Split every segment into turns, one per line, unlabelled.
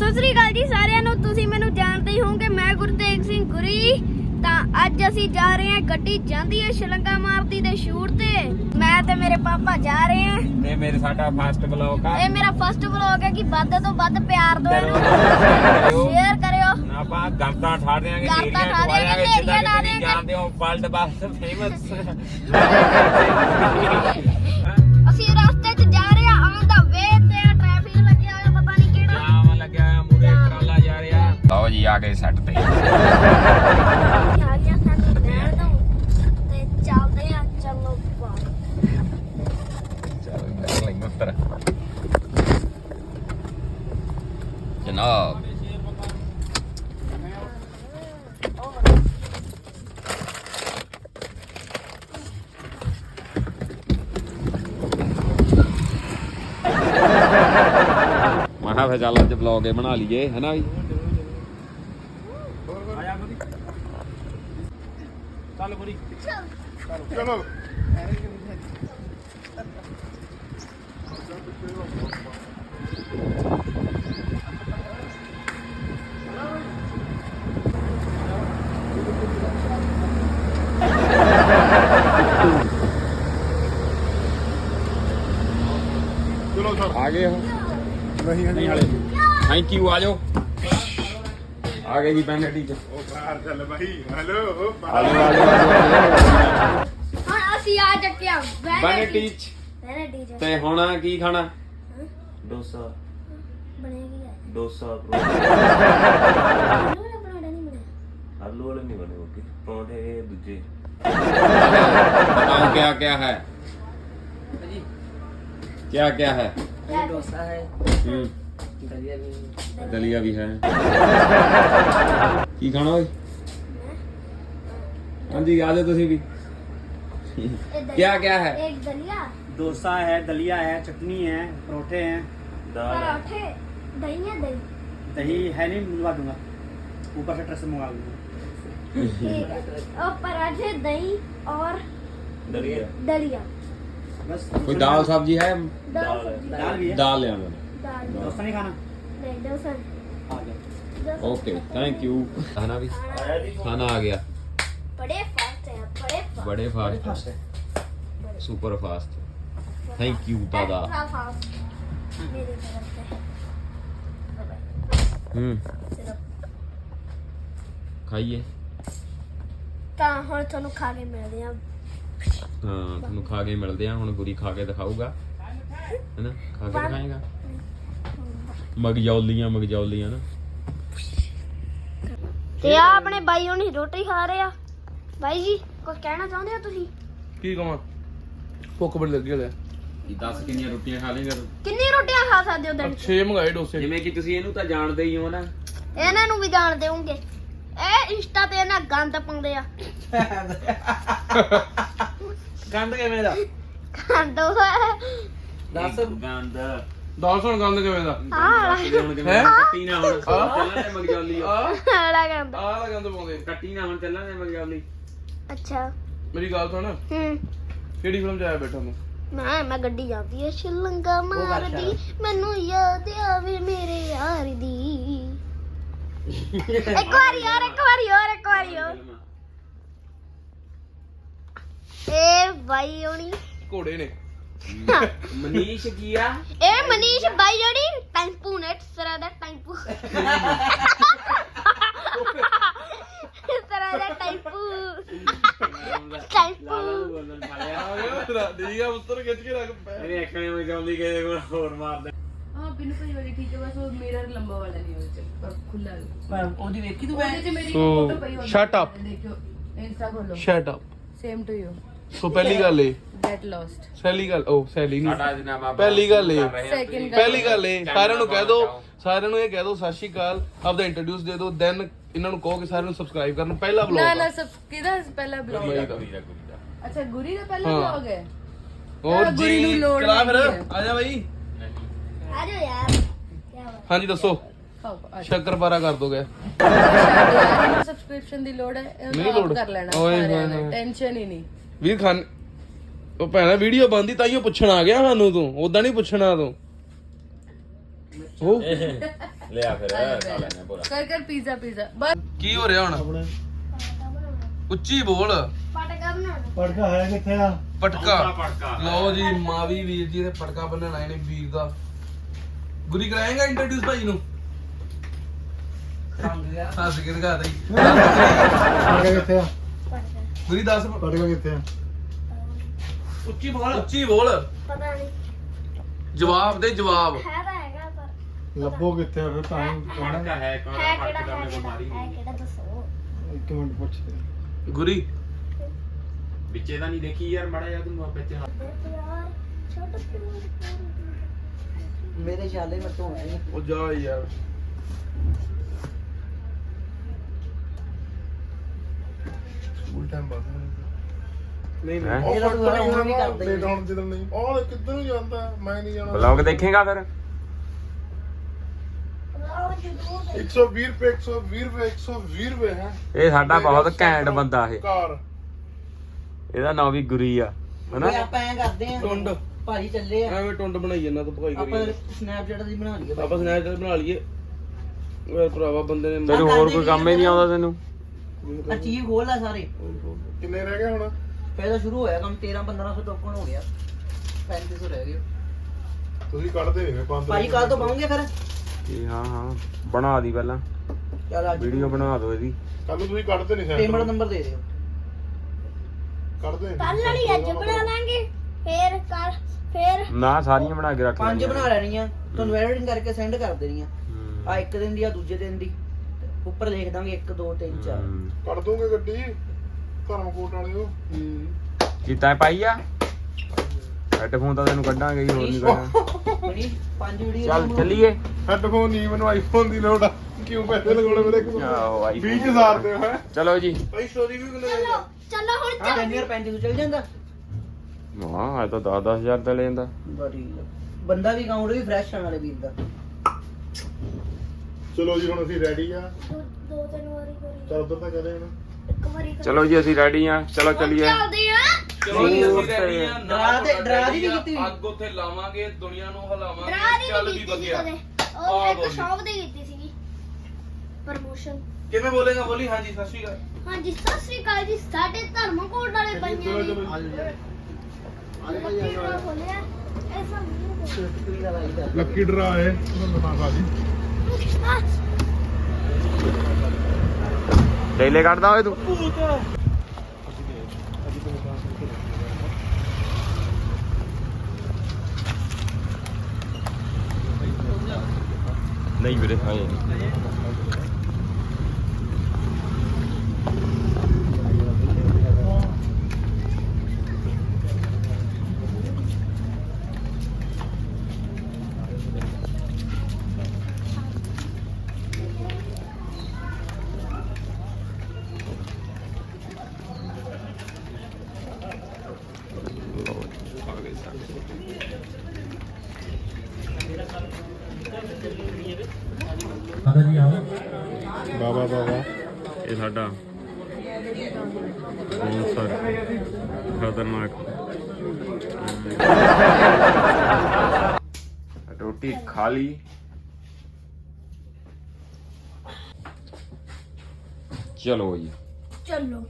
ਸਤਿ ਸ੍ਰੀ ਅਕਾਲ ਜੀ ਸਾਰਿਆਂ ਨੂੰ। ਤੁਸੀਂ ਮੈਨੂੰ ਜਾਣਦੇ ਹੀ ਹੋਵੋਗੇ, ਮੈਂ ਗੁਰਤੇਗ ਸਿੰਘ ਗੁਰੀ। ਤਾਂ ਅੱਜ ਅਸੀਂ ਜਾ ਰਹੇ ਹਾਂ, ਗੱਡੀ ਜਾਂਦੀ ਹੈ ਸ਼ਲੰਗਾ ਮਾਰਦੀ ਦੇ ਸ਼ੂਟ ਤੇ। ਮੈਂ ਤੇ ਮੇਰੇ ਪਾਪਾ ਜਾ ਰਹੇ ਹਾਂ।
ਇਹ ਮੇਰੇ ਸਾਡਾ ਫਸਟ ਬਲੌਗ ਆ।
ਇਹ ਮੇਰਾ ਫਸਟ ਵਲੌਗ ਹੈ ਕਿ ਵੱਧ ਤੋਂ ਵੱਧ ਪਿਆਰ ਦਿਓ ਇਹਨੂੰ, ਸ਼ੇਅਰ ਕਰਿਓ।
ਆਪਾਂ ਗੰਤਾਂ ਠਾ ਦੇਾਂਗੇ,
ਗੰਤਾਂ ਠਾ ਦਿਆਂਗੇ, ਢੇਰੀਆਂ ਲਾ ਦਿਆਂਗੇ।
ਜਾਣਦੇ ਹੋ ਵਰਲਡ ਬੱਸ ਫੇਮਸ।
ਅਸੀਂ ਰਸਤੇ 'ਚ ਜਾ ਰਹੇ ਹਾਂ, ਔਨ ਦਾ ਵੇ ਤੇ ਟ੍ਰੈਫਿਕ ਲੱਗਿਆ ਹੋਇਆ, ਪਤਾ ਨਹੀਂ ਕਿਹੜਾ
ਜਾਮ ਲੱਗਿਆ ਹੋਇਆ, ਮੂਰੇ ਟਰਾਲਾ ਜਾ ਰਿਹਾ। ਲਓ ਜੀ, ਆ ਗਏ ਸੈੱਟ ਤੇ।
ਆ ਗਿਆ ਸਾਨੂੰ ਬੈਠ ਦੋ ਤੇ ਚੱਲਦੇ ਆ। ਚਲੋ ਬਾਹਰ।
ਚਲੋ ਕਰ ਲਈ ਉੱਤਰ ਜਨਾਬ। ਮਹਾ ਫੇ ਚੱਲ ਅੱਜ ਵਲੌਗ ਇਹ ਬਣਾ ਲਈਏ, ਹੈਨਾ ਵੀ। ਚੱਲ ਬੁਰੀ
ਚਲੋ ਚਲੋ ਸਰ
ਆ ਗਏ ਹੋ?
ਨਹੀਂ
ਹਾਲੇ ਥੈਂਕ ਯੂ। ਆ ਜਾਓ, ਆ ਗਏ ਜੀ ਬੈਨੇਟੀ ਚ।
ਉਹ ਬਾਹਰ ਚੱਲ ਬਾਈ। ਹੈਲੋ
ਆ ਜਾਓ।
ਹੁਣ ਅਸੀਂ ਆ ਚੱਕਿਆ
ਬੈਨੇਟੀ ਚ।
ਵੈਨਿਟੀ ਚ।
ਤੇ ਹੁਣ ਕੀ ਖਾਣਾ?
ਡੋਸਾ
ਬਣੇਗੀ ਹੈ
ਡੋਸਾ
ਆਲੂ ਵਾਲਾ ਪਰੌਂਠਾ ਨਹੀਂ ਬਣਿਆ।
ਆਲੂ ਵਾਲੇ ਨਹੀਂ ਬਣੇ ਓਕੇ ਪਰੌਂਠੇ ਇਹ ਦੂਜੇ
बताओ क्या क्या है, क्या क्या है?
डोसा है, दलिया भी है।
दलिया भी है। की खाना ਓਏ? हाँ जी, आ जाओ तुसी भी। क्या क्या है?
एक दलिया,
डोसा है, दलिया है, चटनी है, परोठे हैं,
दाल है।
पराठे, दही है। दही
दही है नहीं, मंगवा दूंगा, ऊपर से ट्रक से मंगवा दूंगा।
ठीक है। और पराठे, दही और
दलिया
दलिया।
बस
कोई दाल सब्जी है?
दाल
दाल है।
सब्जी।
दाल भी है।
दाल ले आना।
दाल
डोसा नहीं खाना?
नहीं, डोसा नहीं।
आ गया।
Dosa
okay, thank you. खाना भी,
आया जी।
खाना आ गया।
बड़े फास्ट है, बड़े फास्ट।
बड़े फास्ट,
फास्ट है।
Super fast. थैंक यू दादा।
एक्स्ट्रा फास्ट मेरी तरफ से। सिर्फ
खाइए।
ਤਾਂ ਹੁਣ ਤੁਹਾਨੂੰ ਖਾ ਕੇ ਮਿਲਦੇ ਆ।
ਹਾਂ, ਤੁਹਾਨੂੰ ਖਾ ਕੇ ਮਿਲਦੇ ਆ। ਹੁਣ ਗੁਰੀ ਖਾ ਕੇ ਦਿਖਾਊਗਾ, ਹੈਨਾ? ਖਾ ਕੇ ਦਿਖਾਏਗਾ। ਮਗਜੌਲੀਆਂ ਨਾ।
ਤੇ ਆ ਆਪਣੇ ਬਾਈ ਹੁਣੀ ਰੋਟੀ ਖਾ ਰਹੇ ਆ। ਬਾਈ ਜੀ ਕੁਝ ਕਹਿਣਾ ਚਾਹੁੰਦੇ ਹੋ ਤੁਸੀਂ?
ਕੀ ਕਹਾਂ, ਭੁੱਖ ਬੜੀ ਲੱਗੀ ਹੋਇਆ।
ਇਹ 10 ਕਿੰਨੀਆਂ ਰੋਟੀਆਂ ਖਾ ਲੇਗਾ ਤੂੰ?
ਕਿੰਨੀ ਰੋਟੀਆਂ ਖਾ ਸਕਦੇ ਹੋ ਦਿਨ 'ਚ?
6 ਮੰਗਾਏ ਡੋਸੇ।
ਜਿਵੇਂ ਕਿ ਤੁਸੀਂ ਇਹਨੂੰ ਤਾਂ ਜਾਣਦੇ ਹੀ ਹੋ ਨਾ।
ਇਹਨਾਂ ਨੂੰ ਵੀ ਜਾਣਦੇ ਹੋਣਗੇ। ਇਹ ਇੰਸਟਾ ਤੇ ਇਹਨਾਂ ਗੰਦ ਪਾਉਂਦੇ ਆ।
गंद किवें दा?
ਗੰਦ
दस
ਗੰਦ
ਦੱਸ ਹੁਣ ਗੰਦ ਕਿਵੇਂ ਦਾ?
ਹੁਣ ਕਿਵੇਂ ਕੱਟੀ ਨਾ ਹੁਣ ਚੱਲਣੇ ਮਗਜੌਲੀ
ਆਲਾ ਗੰਦ।
ਆਹ ਗੰਦ ਪਾਉਂਦੇ।
ਕੱਟੀ ਨਾ ਹੁਣ ਚੱਲਣੇ ਮਗਜੌਲੀ।
ਅੱਛਾ।
ਮੇਰੀ ਗੱਲ ਸੁਣ, ਕਿਹੜੀ ਫਿਲਮ 'ਚ ਆਇਆ ਬੈਠਾ ਤੂੰ?
ਮੈਂ ਗੱਡੀ ਜਾਂਦੀ ਐ ਸ਼ਲੰਗਾ ਮਾਰਦੀ, ਮੈਨੂੰ ਯਾਦ ਆਵੇ ਮੇਰੇ ਯਾਰ ਦੀ। ਇੱਕ ਵਾਰੀ ਹੋਰ। ਇਹ ਬਾਈ ਹੋਣੀ,
ਘੋੜੇ ਨੇ।
ਮਨੀਸ਼ ਕੀ ਆ?
ਇਹ ਮਨੀਸ਼ ਬਾਈ ਹੋਣੀ ਟੈਂਪੂ ਨੇ ਸਰਾ ਦਾ ਟੈਂਪੂ। ਸਰਾ ਦਾ ਟੈਂਪੂ।
ਬੋਲਣ ਵਾਲਿਆ
ਠੀਕ ਆ, ਉੱਤਰ ਖਿੱਚ ਕੇ ਰੱਖ ਪੈ।
ਇਹਨੇ ਅੱਖਾਂ ਮਗਜੌਲੀ ਕਿਸੇ ਕੋਲ ਹੋਰ ਮਾਰਦੇ।
हाँ बिन भाई वाली ठीक है, बस वो मिरर लंबा वाला नहीं हो पर खुला है।
ओदी देखी तू
ਉਹਦੇ 'ਚ ਮੇਰੀ
So,
photo ਪਈ ਹੋਣੀ
shut up.
देखो इंस्टा खोलो,
shut up.
Same to you,
so ਪਹਿਲੀ ਗੱਲ ਏ,
गेट लॉस्ट।
ਸੈਲੀ
ਸਾਡਾ
ਨਹੀਂ,
ਜਨਾਬ
ਪਹਿਲੀ ਗੱਲ ਏ,
Second
ਪਹਿਲੀ ਗੱਲ ਏ, ਸਾਰਿਆਂ ਨੂੰ ਕਹਿ ਦੋ, ਸਾਰਿਆਂ ਨੂੰ ਇਹ ਕਹਿ ਦੋ ਸਤਿ ਸ਼੍ਰੀ ਅਕਾਲ, ਆਪਦਾ ਇੰਟਰੋਡਿਊਸ ਦੇ ਦਿਓ, ਦੈਨ ਇਹਨਾਂ ਨੂੰ ਕਹੋ ਕਿ ਸਾਰਿਆਂ ਨੂੰ ਸਬਸਕ੍ਰਾਈਬ ਕਰਨ। ਪਹਿਲਾ
ना
ਵਲੌਗ
ना सब किधर पहला ब्लॉग? अच्छा गुरी का पहला
हाँ।
ब्लॉग है।
ਹੋਰ
ਗੁਰੀ ਨੂੰ
ਜੀ
ਲੋੜ
ਚਲਾ ਫਿਰ,
ਨਹੀਂ ਹੈ।
ਆ ਜਾ ਬਾਈ।
ਆ ਜਾਓ ਯਾਰ। ਕੀ ਬਾਤ।
ਹਾਂਜੀ ਦੱਸੋ,
खाओ अच्छा
ਸ਼ੱਕਰਪਾਰਾ ਕਰ ਦੋਗੇ?
सब्सक्रिप्शन दी लोड है,
नहीं
आप
लोड।
कर लेना
ओए
सारे
होए
ने,
होए।
टेंशन ही नहीं।
ਵੀਰ ਖਾਨ ਉਹ ਭੈਣਾ ਵੀਡੀਓ ਬੰਦੀ ਤਾਈਓ ਪੁੱਛਣ ਆ ਗਿਆ ਸਾਨੂੰ, ਤੂੰ ਉਦਾਂ ਨਹੀਂ ਪੁੱਛਣਾ ਤੂੰ। ਉਹ
ਲਿਆ ਫਿਰ ਖਾ ਲੈਣੇ ਪੂਰਾ।
कर पिज्जा पिज्जा बस
ਕੀ ਹੋ ਰਿਹਾ ਹੁਣ? ਉੱਚੀ ਬੋਲ।
ਪਟਕਾ ਬਣਾਉਣਾ।
ਪੜਕਾ ਹੈ ਕਿੱਥੇ ਆ?
ਪਟਕਾ ਲਓ ਜੀ, ਮਾਵੀ ਵੀਰ ਜੀ ਨੇ ਪਟਕਾ ਬੰਨਣ ਆਏ ਨੇ ਵੀਰ ਦਾ। ਗੁਰੀ ਕਰਾਏਗਾ ਇੰਟਰੋਡਿਊਸ ਭਾਈ ਨੂੰ? ਹੱਸ ਕੇ ਦਿਖਾ ਦੇ।
ਪੜਕਾ ਕਿੱਥੇ ਆ?
ਪਟਕਾ
ਗੁਰੀ ਦੱਸ।
ਪੜਕਾ ਕਿੱਥੇ ਆ?
ਉੱਚੀ ਬੋਲ।
ਪਤਾ ਨਹੀਂ
ਜਵਾਬ ਦੇ ਜਵਾਬ।
ਹੈ ਤਾਂ ਹੈਗਾ ਪਰ
ਲੱਭੋ ਕਿੱਥੇ ਆ ਫਿਰ ਤਾਂ ਹੀ ਕਹਿਣਾ।
ਹੈ ਕਿਹੜਾ ਦੱਸੋ।
ਇੱਕ ਮਿੰਟ ਪੁੱਛਦੇ।
ਗੁਰੀ
ਵਿੱਚੇ ਤਾਂ ਨਹੀਂ ਦੇਖੀ ਯਾਰ ਮੜਾ ਜਾ ਤੂੰ ਆਪੇ
ਯਾਰ ਛੋਟਾ
ਮੇਰੇ ਛਾਲੇ ਮਤ ਹੋਣੇ
ਉਹ ਜਾ ਯਾਰ। ਸਕੂਲ ਟਾਈਮ ਬਾਅਦ ਨਹੀਂ
ਹੈਂ?
ਉਹ
ਇਹਦਾ ਤੂੰ
ਪਟਕਾ
ਹੁਣ ਵੀ
ਹੀ
ਕਰਦਾ ਹੀ
ਨਹੀਂ ਹੁਣ ਜਦੋਂ ਨਹੀਂ ਉਹ ਕਿੱਧਰ ਨੂੰ ਜਾਂਦਾ, ਮੈਂ ਨਹੀਂ ਜਾਣਾ।
ਬਲੌਗ ਦੇਖੇਗਾ ਫਿਰ?
120 ਰੁਪਏ 120 ਰੁਪਏ 120 ਰੁਪਏ ਹੈ।
ਇਹ ਸਾਡਾ ਬਹੁਤ ਘੈਂਟ ਬੰਦਾ ਇਹ।
ਕਾਰ
ਇਹਦਾ ਨਾਂ ਵੀ ਗੁਰੀ ਆ ਹਨਾ।
ਓਏ ਆਪਾਂ ਐਂ ਕਰਦੇ ਆਂ
ਟੁੰਡ
ਭਾਜੀ ਚੱਲੇ ਆ
ਐਵੇਂ ਟੁੰਡ ਬਣਾਈ ਜਾਂਦਾ ਤੂੰ ਭਗਾਈ
ਆਪਾਂ
ਕਰੀ
ਸਨੈਪਚੈਟ ਦੀ ਬਣਾ ਲਈਏ
ਆਪਾਂ ਸਨੈਚ ਬਣਾ ਲਈਏ। ਓਏ ਭਰਾਵਾ ਬੰਦੇ ਨੇ
ਤੈਨੂੰ ਹੋਰ ਕੋਈ ਕੰਮ ਹੀ ਨਹੀਂ ਆਉਂਦਾ ਤੈਨੂੰ?
ਆ ਚੀਜ਼ ਖੋਲ ਲੈ ਸਾਰੇ।
ਕਿੰਨੇ ਰਹਿ ਗਏ ਹੁਣ?
ਪਹਿਲਾਂ ਸ਼ੁਰੂ ਹੋਇਆ ਕੰਮ 13-1500 ਟੋਕਨ ਹੋ ਗਿਆ 3500 ਰਹਿ ਗਏ
ਤੁਸੀਂ ਕੱਢਦੇ ਨਹੀਂ ਮੈਂ
ਭਾਜੀ ਕੱਲ ਤੋਂ ਪਾਉਂਗੇ ਫਿਰ
ਇਹ ਹਾਂ ਬਣਾ ਦੀ ਪਹਿਲਾਂ
ਚੱਲ ਅੱਜ
ਵੀਡੀਓ ਬਣਾ ਦਿਓ ਇਹਦੀ।
ਕੱਲ ਨੂੰ ਤੁਸੀਂ ਕੱਢਦੇ ਨਹੀਂ
ਪੇਮੈਂਟ ਨੰਬਰ ਦੇ ਦਿਓ
ਕੱਢਦੇ
ਕੱਲ ਵਾਲੀ ਅੱਜ ਬਣਾ ਲਾਂਗੇ ਫਿਰ
ਨਾ ਸਾਰੀਆਂ ਬਣਾ ਕੇ ਰੱਖ
5 ਬਣਾ ਲੈਣੀਆਂ ਤੁਹਾਨੂੰ ਐਡੀਟਿੰਗ ਕਰਕੇ ਸੈਂਡ ਕਰ ਦੇਣੀਆਂ
ਹੂੰ।
ਆ ਇੱਕ ਦਿਨ ਦੀ ਆ ਦੂਜੇ ਦਿਨ ਦੀ ਉੱਪਰ ਲਿਖ ਦਾਂਗੇ 1 2 3 4
ਹੂੰ।
ਕੱਢ ਦੋਗੇ ਗੱਡੀ ਧਰਮਕੋਟ ਵਾਲਿਓ।
ਕੀਤਾ ਪਾਈ ਆ ਹੈਡਫੋਨ ਤਾਂ ਤੈਨੂੰ ਕੱਢਾਂਗੇ ਹੀ, ਹੋਰ ਨਹੀਂ ਕੱਢਣਾ।
ਬਣੀ 5 ਵੀਡੀਓ
ਚੱਲ ਚੱਲੀਏ।
ਹੈਡਫੋਨ ਨਹੀਂ, ਮੈਨੂੰ ਆਈਫੋਨ ਦੀ ਲੋੜ ਆ। ਕਿਉਂ ਪੈਸੇ ਲਗਾਉਣੇ ਮੇਰੇ ਕੋਲ?
ਆਹੋ ਆਈ
20,000 ਦੇ ਹੈ
ਚਲੋ ਜੀ।
ਭਾਈ ਸਟੋਰੀ ਵੀ ਕਿੰਨੇ
ਚਲੋ ਹੁਣ
ਹਾਂ 3500 ਚੱਲ ਜਾਂਦਾ
ਹਾਂ ਇਹ ਤਾਂ 10,000 ਦਾ ਲੈ ਜਾਂਦਾ।
ਬੜੀ ਬੰਦਾ ਵੀ ਅਕਾਊਂਟ ਵੀ ਫਰੈਸ਼ ਆਣ ਵਾਲੇ ਵੀਰ ਦਾ
ਚਲੋ ਜੀ ਹੁਣ ਅਸੀਂ ਰੈਡੀ ਆ।
ਦੋ ਤਿੰਨ ਵਾਰੀ ਕਰੀ
ਚੱਲ ਉਧਰ ਤਾਂ ਕਰੇ ਹੁਣ।
ਇੱਕ ਵਾਰੀ
ਚਲੋ ਜੀ ਅਸੀਂ ਰੈਡੀ ਆ, ਚਲੋ ਚੱਲੀਏ।
ਚੱਲਦੇ ਆ।
ਚਲੋ ਜੀ ਅਸੀਂ ਰੈਡੀ ਆ।
ਡਰਾ ਦੀ ਵੀ ਕੀਤੀ ਹੋਈ।
ਅੱਗ ਉੱਥੇ ਲਾਵਾਂਗੇ, ਦੁਨੀਆ ਨੂੰ ਹਿਲਾਵਾਂਗੇ।
ਡਰਾ ਦੀ
ਚੱਲ
ਵੀ
ਵੀ
ਕੀਤੀ ਸੀ
ਵਧੀਆ।
ਕਦੇ
ਆਹ
ਉਹ ਇੱਕ
ਬੋਲੀ।
ਸ਼ੌਪ ਦੀ ਕੀਤੀ ਸੀਗੀ ਪ੍ਰਮੋਸ਼ਨ।
ਕਿਵੇਂ ਬੋਲੇਗਾ? ਬੋਲੀ ਹਾਂਜੀ ਸਤਿ ਸ਼੍ਰੀ ਅਕਾਲ।
ਹਾਂਜੀ ਸਤਿ ਸ੍ਰੀ ਅਕਾਲ ਜੀ। ਸਾਡੇ ਧਰਮਕੋਟ ਵਾਲੇ ਬੰਦੇ
ਚਲੋ
ਨੇ
ਚਲੋ
ਖੋਲਿਆ ਐਸਾ
ਕੁੜੀ ਦਾ ਲਾਈ ਕਰ
ਲੱਕੀ ਡਰਾ ਹੈ ਤੁਹਾਨੂੰ ਦਿਖਾ ਜੀ।
ਡੇਲੇ ਕੱਢਦਾ ਓਏ ਤੂੰ। ਨਹੀਂ ਵੀਰੇ ਖਾਏ ਬਾਬਾ ਇਹ ਸਾਡਾ ਸਪਾਂਸਰ ਖਤਰਨਾਕ ਰੋਟੀ ਖਾ ਲਈ। ਚਲੋ ਜੀ
ਚਲੋ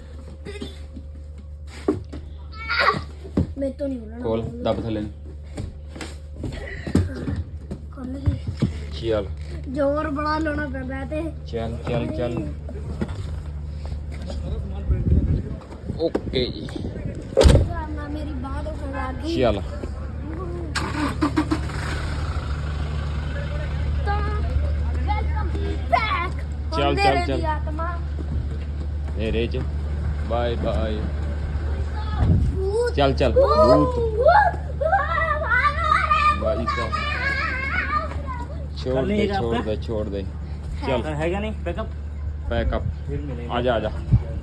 ਮੈਂ ਤੋਂ ਨਹੀਂ ਬੋਲਣਾ।
ਕੋਲ ਦੱਬ ਥੱਲੇ ਨੂੰ।
ਖੁੱਲ ਗਈ।
ਚੱਲ
ਜ਼ੋਰ ਬੜਾ ਲਾਉਣਾ ਪੈਂਦਾ ਤੇ
ਚੱਲ ਚੱਲ ਚੱਲ ਓਕੇ ਜੀ
ਕਰਨਾ ਮੇਰੀ ਬਾਹ ਤੋਂ ਲੱਗ ਗਈ।
ਚੱਲ
ਤਾਂ ਵੈਲਕਮ ਬੈਕ।
ਚੱਲ, ਚੱਲ, ਚੱਲ।
ਆਤਮਾ
ਮੇਰੇ ਚ ਬਾਏ ਬਾਏ।
ਭੂਤ
ਚੱਲ ਚੱਲ ਭੂਤ
ਬਾਈ
ਬਾਈ ਸਾਹਿਬ छोड़ दे चल
ਹੈਗਾ ਨਹੀਂ ਬੈਕਅਪ
पैकअप
ਫਿਰ ਮਿਲੇ
आजा आजा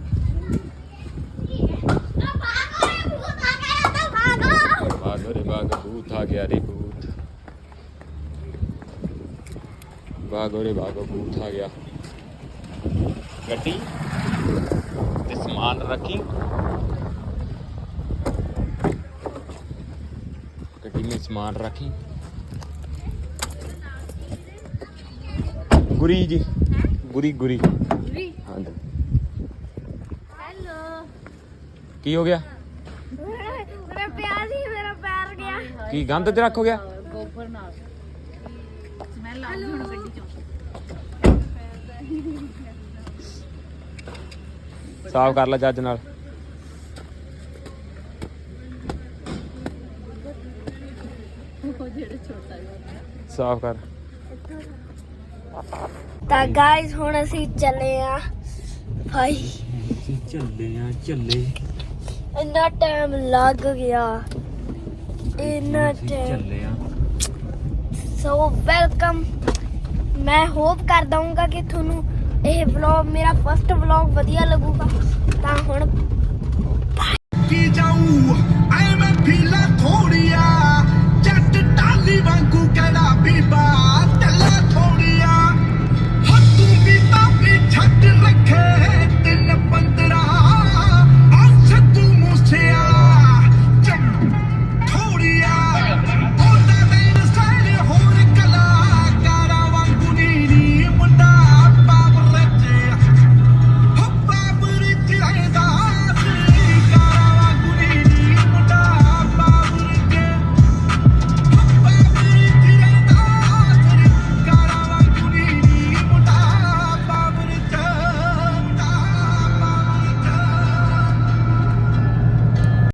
भागो रे भागो भूत आ गया रे भूत भागो रे भागो भूत आ गया गड्डी ते समान रखी गड्डी में समान रखी ਗੁਰੀ ਜੀ ਗੁਰੀ ਗੁਰੀ
ਗੁਰੀ
ਹਾਂਜੀ
ਹੈਲੋ
ਕੀ ਹੋ ਗਿਆ
ਮੇਰਾ ਪਿਆਰ ਹੀ ਮੇਰਾ ਪੈਰ ਗਿਆ
ਕੀ ਗੰਦ ਤੇ ਰੱਖ ਹੋ ਗਿਆ
ਗੋਬਰ ਨਾਲ ਸਮੈਲ ਆ ਗਈ ਹੁਣ ਗੱਡੀ ਚੋਂ
ਸਾਫ਼ ਕਰ ਲੈ ਜੱਜ ਨਾਲ ਸਾਫ਼ ਕਰ
ਤਾਂ ਗਾਇਸ ਹੁਣ ਅਸੀਂ ਚੱਲੇ ਆ ਭਾਈ
ਚੱਲੇ
ਇੰਨਾ ਟਾਈਮ ਲੱਗ ਗਿਆ ਇੰਨਾ ਟਾਈਮ
ਆ
ਸੋ ਵੈਲਕਮ ਮੈਂ ਹੋਪ ਕਰਦਾ ਹਾਂ ਕਿ ਤੁਹਾਨੂੰ ਇਹ ਵਲੌਗ ਮੇਰਾ ਫਸਟ ਵਲੌਗ ਵਧੀਆ ਲੱਗੂਗਾ ਤਾਂ ਹੁਣ
ਕੀ ਜਾਊ